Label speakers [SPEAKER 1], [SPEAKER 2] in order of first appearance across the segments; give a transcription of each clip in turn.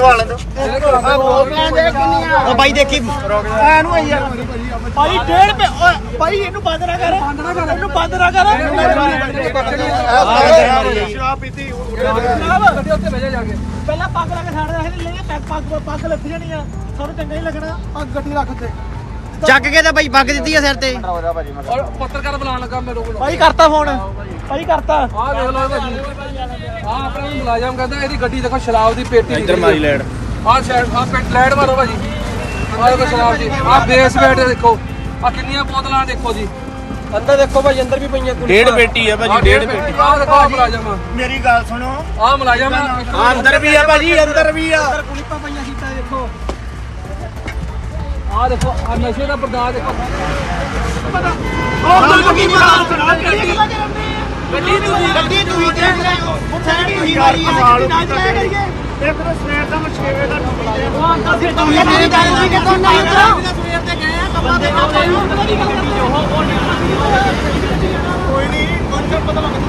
[SPEAKER 1] ਲਵਾ ਲੈ ਉਹ ਬਾਈ ਦੇਖੀ
[SPEAKER 2] ਐਨੂੰ ਆਈ ਯਾਰ ਭਾਈ 1.5 ਰੁਪਏ ਭਾਈ ਇਹਨੂੰ ਬੰਦ ਨਾ ਕਰ ਇਹਨੂੰ ਬੰਦ ਨਾ ਕਰ
[SPEAKER 1] ਸ਼ਰਾਬ ਪੀਤੀ
[SPEAKER 2] ਗੱਡੀ ਉੱਤੇ ਭੇਜਿਆ ਜਾ ਕੇ ਪਹਿਲਾਂ ਪੱਗ ਲਾ ਕੇ ਛੱਡਦਾ ਸੀ ਲੈ ਪੱਗ ਲੱਥ ਜਾਣੀ ਆ ਸਾਨੂੰ ਚੰਗਾ ਨਹੀਂ ਲੱਗਣਾ ਪੱਗ ਗੱਡੀ ਰੱਖ ਤੇ
[SPEAKER 1] ਚੱਕ ਕੇ ਤਾਂ ਬਾਈ ਪੱਗ ਦਿੱਤੀ ਆ ਸਿਰ ਤੇ
[SPEAKER 2] ਔਰ ਪੱਤਰਕਾਰ ਬੁਲਾਉਣ ਲੱਗਾ ਮੇਰੇ ਕੋਲ ਭਾਈ ਕਰਤਾ ਫੋਨ ਭਾਈ ਕਰਤਾ ਆਹ ਦੇਖ ਲਓ ਭਾਜੀ ਆਹ ਆਪਣਾ ਮੁਲਾਜ਼ਮ ਕਹਿੰਦਾ ਇਹਦੀ ਗੱਡੀ ਦੇਖੋ ਸ਼ਰਾਬ ਦੀ ਪੇਟੀ
[SPEAKER 1] ਇੱਧਰ ਮਾਰੀ ਲੈੜ
[SPEAKER 2] ਆਹ ਸਾਈਡ ਆਹ ਪੇਟ ਲੈੜ ਮਾਰੋ ਭਾਜੀ ਆਹ ਦੇਖੋ ਸ਼ਰਾਬ ਦੀ ਆਹ ਬੇਸ ਬੈਠ ਦੇਖੋ ਆਹ ਕਿੰਨੀਆਂ ਬੋਤਲਾਂ ਦੇਖੋ ਜੀ ਅੰਦਰ ਦੇਖੋ ਭਾਈ ਅੰਦਰ ਵੀ ਪਈਆਂ
[SPEAKER 1] ਡੇਢ ਪੇਟੀ ਆ ਭਾਜੀ ਡੇਢ ਪੇਟੀ
[SPEAKER 2] ਆਹ ਦੇਖੋ ਆਹ ਮੁਲਾਜ਼ਮ
[SPEAKER 1] ਮੇਰੀ ਗੱਲ ਸੁਣੋ
[SPEAKER 2] ਆਹ ਮੁਲਾਜ਼ਮ
[SPEAKER 1] ਅੰਦਰ ਵੀ ਆ ਭਾਜੀ ਅੰਦਰ ਵੀ ਆ
[SPEAKER 2] ਅੰਦਰ ਕੁਲੀਪਾਂ ਪਈਆਂ ਸੀਟਾਂ ਦੇਖੋ ਆਹ ਦੇਖੋ ਆਹ ਨਸ਼ੇ ਦਾ ਪਰਦਾ ਦੇਖੋ ਉਹ ਗੱਡੀ ਤੁਸੀਂ ਦੇਖ ਰਹੇ ਹੋ ਮੁੱਠਾਣੀ ਹੋਈ ਮਾਰੀ ਹੈ ਨਾ ਜਾਇਆ ਕਰੀਏ
[SPEAKER 1] ਇਹ ਫਿਰ ਸਵੇਰ ਦਾ ਮੈਂ 6 ਵਜੇ ਦਾ ਡਿਊਟੀ ਤੇ
[SPEAKER 2] ਉਹ ਅੰਕਲ ਫਿਰ ਤੁਸੀਂ ਮੇਰੀ ਗੱਲ ਨਹੀਂ ਕਿ ਤੁਹਾਨੂੰ ਨਹੀਂ ਉਤਰਾ ਸਵੇਰ ਤੇ ਗਏ ਆ ਕੰਮਾਂ ਤੇ ਕੋਈ ਨਹੀਂ ਕੌਣ ਪਤਾ ਲੱਗ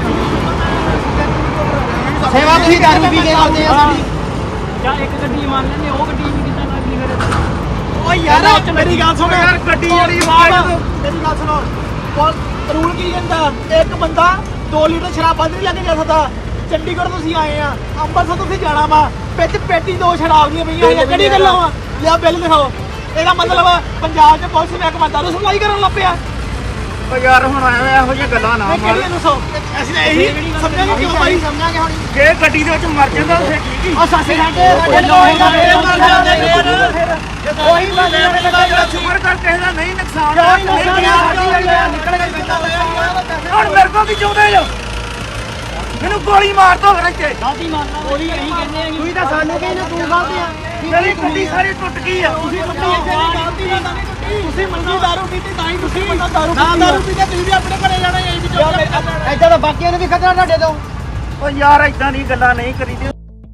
[SPEAKER 1] ਸੇਵਾ ਤੁਸੀਂ ਦਾਰੂ ਪੀ ਕੇ ਕਰਦੇ ਆ ਸਾਡੀ
[SPEAKER 2] ਜਾਂ ਇੱਕ ਗੱਡੀ ਮੰਨ ਲੈਂਦੇ ਉਹ ਗੱਡੀ ਵੀ ਕਿੱਦਾਂ ਲੱਗਦੀ ਫਿਰ ਓ ਯਾਰ ਮੇਰੀ ਗੱਲ ਸੁਣ ਯਾਰ ਗੱਡੀ ਜਿਹੜੀ ਆਵਾਜ਼ ਮੇਰੀ ਗੱਲ ਸੁਣੋ ਰੂਲ ਕੀ ਕਹਿੰਦਾ ਇੱਕ ਬੰਦਾ 2 ਲੀਟਰ ਸ਼ਰਾਬ ਬੰਦ ਨਹੀਂ ਲੈ ਕੇ ਜਾ ਸਕਦਾ ਚੰਡੀਗੜ੍ਹ ਤੋਂ ਅਸੀਂ ਆਏ ਆ ਅੰਮ੍ਰਿਤਸਰ ਤੋਂ ਅਸੀਂ ਜਾਣਾ ਵਾ ਵਿੱਚ ਪੇਟੀ 2 ਸ਼ਰਾਬ ਦੀਆਂ ਪਈਆਂ ਹੋਈਆਂ ਕਿਹੜੀ ਗੱਲਾਂ ਵਾ ਲਿਆ ਬਿੱਲ ਦਿਖਾਓ ਇਹਦਾ ਮਤਲਬ ਪੰਜਾਬ 'ਚ ਪੁਲਿਸ ਮਹਿਕਮਾ ਦਾਰੂ ਸਪਲਾਈ ਕਰਨ ਲੱਗ ਪਿਆ
[SPEAKER 1] ਓ ਯਾਰ ਹੁਣ ਐਵੇਂ ਇਹੋ ਜਿਹੀਆਂ ਗੱਲਾਂ ਨਾ ਮਾਰ
[SPEAKER 2] ਕਿਹੜੀ ਨੂੰ ਸੋ ਅਸੀਂ ਇਹੀ ਸਮਝਾਂਗੇ ਕਿਉਂ ਭਾਈ ਸਮਝਾਂਗੇ ਹੁਣ
[SPEAKER 1] ਜੇ ਗੱਡੀ ਦੇ ਵਿੱਚ ਮਰ ਜਾਂਦਾ ਤਾਂ ਠੀਕ ਹੀ
[SPEAKER 2] ਉਹ ਸਾਸੇ ਸਾਡੇ ਲੋਹੇਗਾ ਫੇਰ ਮਰ ਜਾਂਦੇ ਫੇਰ ਉਹੀ ਬੰਦੇ
[SPEAKER 1] ਸ਼ੁਕਰ ਕਰ ਕਿਸੇ ਦਾ ਨਹੀਂ ਨੁਕਸਾਨ
[SPEAKER 2] ਕੋਈ ਨਹੀਂ ਨਿਕਲ ਗਈ ਕਿੱਦਾਂ
[SPEAKER 1] ਹੁਣ ਮੇਰੇ ਕੋਲ ਕੀ ਚਾਹੁੰਦੇ ਜੋ ਮੈਨੂੰ ਗੋਲੀ ਮਾਰ ਦੋ ਫਿਰ ਇੱਥੇ
[SPEAKER 2] ਗਲਤੀ ਮੰਨਣਾ ਉਹੀ ਇਹੀ ਕਹਿੰਦੇ ਆ ਤੁਸੀਂ ਤਾਂ ਸਾਨੂੰ ਕਹਿੰਦੇ ਤੂੰ ਗਲਤੀ ਆ
[SPEAKER 1] ਮੇਰੀ ਗੱਡੀ ਸਾਰੀ ਟੁੱਟ ਗਈ ਆ
[SPEAKER 2] ਤੁਸੀਂ ਮੰਨੀ ਗਲਤੀ ਨਾ ਤੁਸੀਂ ਮੰਨੀ ਦਾਰੂ ਪੀਤੀ ਤਾਂ ਹੀ ਤੁਸੀਂ ਬੰਦਾ ਦਾਰੂ ਨਾ ਦਾਰੂ ਪੀਤੇ ਤੁਸੀਂ ਵੀ ਆਪਣੇ ਘਰੇ ਜਾਣਾ ਇਹ ਵੀ ਐਦਾਂ ਤਾਂ ਬਾਕੀਆਂ ਨੂੰ ਵੀ ਖਤਰਾ ਤੁਹਾਡੇ ਤੋਂ
[SPEAKER 1] ਓ ਯਾਰ ਇਦਾਂ ਦੀ ਗੱਲਾਂ ਨਹੀਂ ਕਰੀਦੀ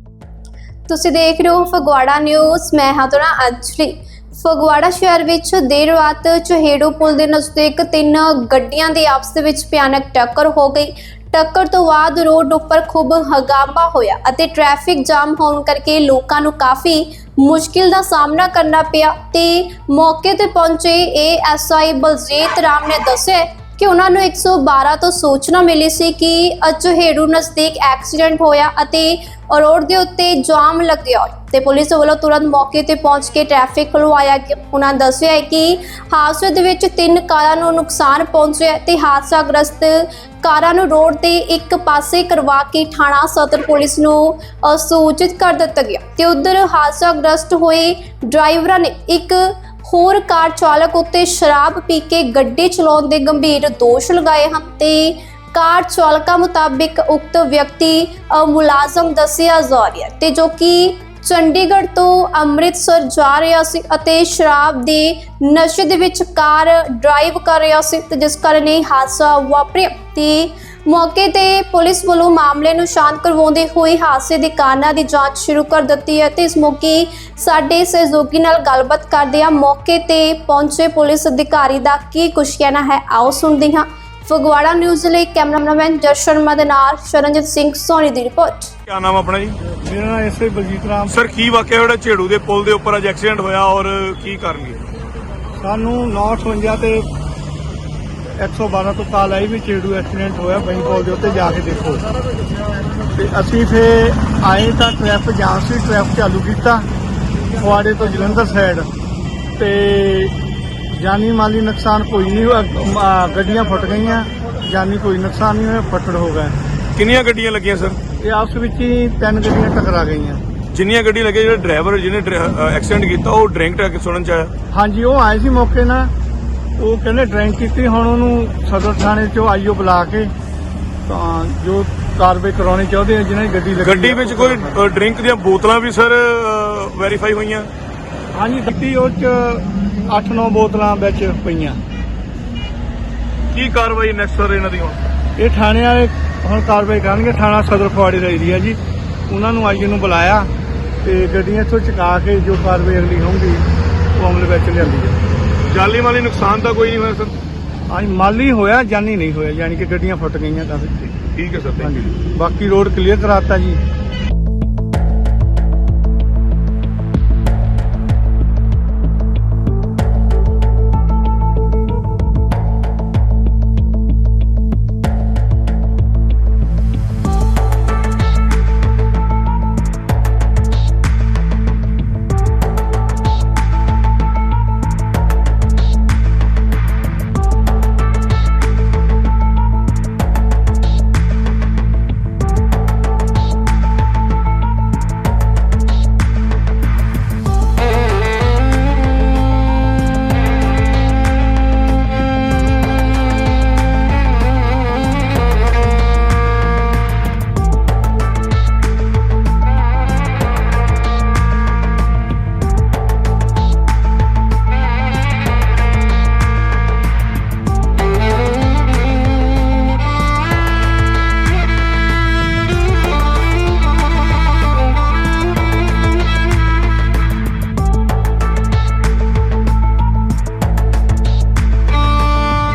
[SPEAKER 3] ਤੁਸੀਂ ਦੇਖ ਰਹੇ ਹੋ ਫਗਵਾੜਾ ਨਿਊਜ਼। ਮੈਂ ਹਾਂ ਤੁਹਾਡਾ ਅੰਜਲੀ। ਫਗਵਾੜਾ ਸ਼ਹਿਰ ਵਿੱਚ ਦੇਰ ਰਾਤ ਚਹੇੜੂ ਪੁਲ ਦੇ ਨਜ਼ਦੀਕ 3 ਗੱਡੀਆਂ ਦੀ ਆਪਸ ਵਿੱਚ ਭਿਆਨਕ ਟੱਕਰ ਹੋ ਗਈ। ਟੱਕਰ ਤੋਂ ਬਾਅਦ ਰੋਡ ਉੱਪਰ ਖੂਬ ਹੰਗਾਮਾ ਹੋਇਆ ਅਤੇ ਟ੍ਰੈਫਿਕ ਜਾਮ ਹੋਣ ਕਰਕੇ ਲੋਕਾਂ ਨੂੰ ਕਾਫੀ ਮੁਸ਼ਕਿਲ ਦਾ ਸਾਹਮਣਾ ਕਰਨਾ ਪਿਆ ਤੇ ਮੌਕੇ ਤੇ ਪਹੁੰਚੇ ASI ਬਲਜੀਤ ਰਾਮ ਨੇ ਦੱਸਿਆ ਕਿ ਉਹਨਾਂ ਨੂੰ 112 ਤੋਂ ਸੂਚਨਾ ਮਿਲੀ ਸੀ ਕਿ ਚਹੇੜੂ ਨਜ਼ਦੀਕ ਐਕਸੀਡੈਂਟ ਹੋਇਆ ਅਤੇ ਰੋਡ ਦੇ ਉੱਤੇ ਜਾਮ ਲੱਗਿਆ ਹੋਇਆ ਤੇ ਪੁਲਿਸ ਵੱਲੋਂ ਤੁਰੰਤ ਮੌਕੇ ਤੇ ਪਹੁੰਚ ਕੇ ਟ੍ਰੈਫਿਕ ਖੁਲਵਾਇਆ ਗਿਆ। ਉਹਨਾਂ ਦੱਸਿਆ ਹੈ ਕਿ ਹਾਦਸੇ ਦੇ ਵਿੱਚ 3 ਕਾਰਾਂ ਨੂੰ ਨੁਕਸਾਨ ਪਹੁੰਚਿਆ ਤੇ ਹਾਦਸਾਗ੍ਰਸਤ ਕਾਰਾਂ ਨੂੰ ਰੋਡ ਤੇ ਇੱਕ ਪਾਸੇ ਕਰਵਾ ਕੇ ਥਾਣਾ ਸਦਰ ਪੁਲਿਸ ਨੂੰ ਸੂਚਿਤ ਕਰ ਦਿੱਤਾ ਗਿਆ ਤੇ ਉਧਰ ਹਾਦਸਾਗ੍ਰਸਤ ਹੋਏ ਡਰਾਈਵਰਾਂ ਨੇ ਇੱਕ ਹੋਰ ਕਾਰ ਚਾਲਕ ਉੱਤੇ ਸ਼ਰਾਬ ਪੀ ਕੇ ਗੱਡੀ ਚਲਾਉਣ ਦੇ ਗੰਭੀਰ ਦੋਸ਼ ਲਗਾਏ ਹਨ ਤੇ ਕਾਰ ਚਾਲਕਾਂ ਮੁਤਾਬਿਕ ਉਕਤ ਵਿਅਕਤੀ ਮੁਲਾਜ਼ਮ ਦੱਸਿਆ ਜਾ ਰਿਹਾ ਤੇ ਜੋ ਕਿ ਚੰਡੀਗੜ੍ਹ ਤੋਂ ਅੰਮ੍ਰਿਤਸਰ ਜਾ ਰਿਹਾ ਸੀ ਅਤੇ ਸ਼ਰਾਬ ਦੇ ਨਸ਼ੇ ਦੇ ਵਿੱਚ ਕਾਰ ਡਰਾਈਵ ਕਰ ਰਿਹਾ ਸੀ ਤੇ ਜਿਸ ਕਾਰਨ ਇਹ ਹਾਦਸਾ ਵਾਪਰਿਆ ਤੇ ਮੌਕੇ ਤੇ ਪੁਲਿਸ ਵੱਲੋਂ ਮਾਮਲੇ ਨੂੰ ਸ਼ਾਂਤ ਕਰਵਾਉਂਦੇ ਹੋਏ ਹਾਦਸੇ ਦੇ ਕਾਰਨਾਂ ਦੀ ਜਾਂਚ ਸ਼ੁਰੂ ਕਰ ਦਿੱਤੀ ਹੈ ਤੇ ਇਸ ਮੌਕੇ ਸਾਡੇ ਸਹਿਯੋਗੀ ਨਾਲ ਗੱਲਬਾਤ ਕਰਦੇ ਹਾਂ ਮੌਕੇ ਤੇ ਪਹੁੰਚੇ ਪੁਲਿਸ ਅਧਿਕਾਰੀ ਦਾ ਕੀ ਕੁਝ ਕਹਿਣਾ ਹੈ ਆਓ ਸੁਣਦੇ ਹਾਂ। ਫਗਵਾੜਾ ਨਿਊਜ਼ ਲਈ ਕੈਮਰਾਮੈਨ ਜਸ਼ਨ ਸ਼ਰਮਾ ਦੇ ਨਾਲ ਸ਼ਰਨਜੀਤ ਸਿੰਘ ਸੋਨੀ ਦੀ ਰਿਪੋਰਟ।
[SPEAKER 4] क्या नाम अपना जी?
[SPEAKER 5] मेरा नाम एसआई बलजीत राम।
[SPEAKER 4] सर की वाकया ਜਿਹੜਾ ਝੇੜੂ ਦੇ ਪੁਲ ਦੇ ਉੱਪਰ ਅੱਜ ਐਕਸੀਡੈਂਟ ਹੋਇਆ ਔਰ ਕੀ ਕਰਨਗੇ?
[SPEAKER 5] ਸਾਨੂੰ 958 ਤੇ 112 ਤੋਂ ਕਾਲ ਆਈ ਵੀ ਝੇੜੂ ਐਕਸੀਡੈਂਟ ਹੋਇਆ ਬਈ ਪੁਲ ਦੇ ਉੱਤੇ ਜਾ ਕੇ ਦੇਖੋ ਤੇ ਅਸੀਂ ਫੇ ਆਏ ਤਾਂ ਟ੍ਰੈਫਿਕ ਜਾਮ ਸੀ ਟ੍ਰੈਫਿਕ ਚਾਲੂ ਕੀਤਾ ਫਗਵਾੜੇ ਤੋਂ ਜਲੰਧਰ ਸਾਈਡ ਤੇ ਜਾਨੀ ਮਾਲੀ ਨੁਕਸਾਨ ਕੋਈ ਨਹੀਂ ਹੋਇਆ ਗੱਡੀਆਂ ਫੁੱਟ ਗਈਆਂ ਜਾਨੀ ਕੋਈ ਨੁਕਸਾਨ ਨਹੀਂ ਹੋਇਆ ਫੱਟੜ ਹੋ ਗਏ।
[SPEAKER 4] ਕਿੰਨੀਆਂ ਗੱਡੀਆਂ ਲੱਗੀਆਂ ਸਰ?
[SPEAKER 5] ਇਹ ਆਪਸ ਵਿੱਚ ਹੀ 3 ਗੱਡੀਆਂ ਟਕਰਾ ਗਈਆਂ।
[SPEAKER 4] ਜਿੰਨੀਆਂ ਗੱਡੀਆਂ ਲੱਗੀਆਂ ਜਿਹੜਾ ਡਰਾਈਵਰ ਜਿਹਨੇ ਐਕਸੀਡੈਂਟ ਕੀਤਾ ਉਹ ਡਰਿੰਕ ਕਰਕੇ ਸੁਣਨ ਚ ਆਇਆ?
[SPEAKER 5] ਹਾਂਜੀ ਉਹ ਆਏ ਸੀ ਮੌਕੇ ਨਾਲ ਉਹ ਕਹਿੰਦੇ ਡਰਿੰਕ ਕੀਤੀ ਹੁਣ ਉਹਨੂੰ ਸਦਰ ਥਾਣੇ ਚੋਂ ਆਈਓ ਬੁਲਾ ਕੇ ਤਾਂ ਜੋ ਕਾਰਵਾਈ ਕਰਾਉਣੀ ਚਾਹੁੰਦੇ ਆ ਜਿਹਨਾਂ ਦੀ
[SPEAKER 4] ਗੱਡੀ ਵਿੱਚ ਕੋਈ ਡਰਿੰਕ ਦੀਆਂ ਬੋਤਲਾਂ ਵੀ ਸਰ ਵੈਰੀਫਾਈ ਹੋਈਆਂ?
[SPEAKER 5] ਹਾਂਜੀ ਗੱਡੀ ਉਹ ਚ 8-9 ਬੋਤਲਾਂ ਵਿੱਚ ਪਈਆਂ।
[SPEAKER 4] ਕੀ ਕਾਰਵਾਈ ਨੈਕਸਟ ਸਰ ਇਹਨਾਂ ਦੀ ਹੁਣ?
[SPEAKER 5] ਇਹ ਥਾਣੇ ਵਾਲੇ ਹੁਣ ਕਾਰਵਾਈ ਕਰਨਗੇ। ਥਾਣਾ ਸਦਰ ਫਗਵਾੜੇ ਦਾ ਏਰੀਆ ਜੀ ਉਹਨਾਂ ਨੂੰ ਆਈਓ ਨੂੰ ਬੁਲਾਇਆ ਤੇ ਗੱਡੀਆਂ ਇੱਥੋਂ ਚੁਕਾ ਕੇ ਜੋ ਕਾਰਵਾਈ ਅਗਲੀ ਹੋਊਗੀ ਉਹ ਅਮਲ ਵਿੱਚ ਲਿਆਂਦੀ ਹੈ।
[SPEAKER 4] ਜਾਨੀ ਮਾਲੀ ਨੁਕਸਾਨ ਤਾਂ ਕੋਈ ਨਹੀਂ ਹੋਇਆ ਸਰ?
[SPEAKER 5] ਹਾਂਜੀ ਮਾਲੀ ਹੋਇਆ ਜਾਨੀ ਨਹੀਂ ਹੋਇਆ ਯਾਨੀ ਕਿ ਗੱਡੀਆਂ ਫੁੱਟ ਗਈਆਂ ਕਾਫੀ।
[SPEAKER 4] ਠੀਕ ਹੈ ਸਰ।
[SPEAKER 5] ਹਾਂਜੀ ਬਾਕੀ ਰੋਡ ਕਲੀਅਰ ਕਰਾਤਾ ਜੀ।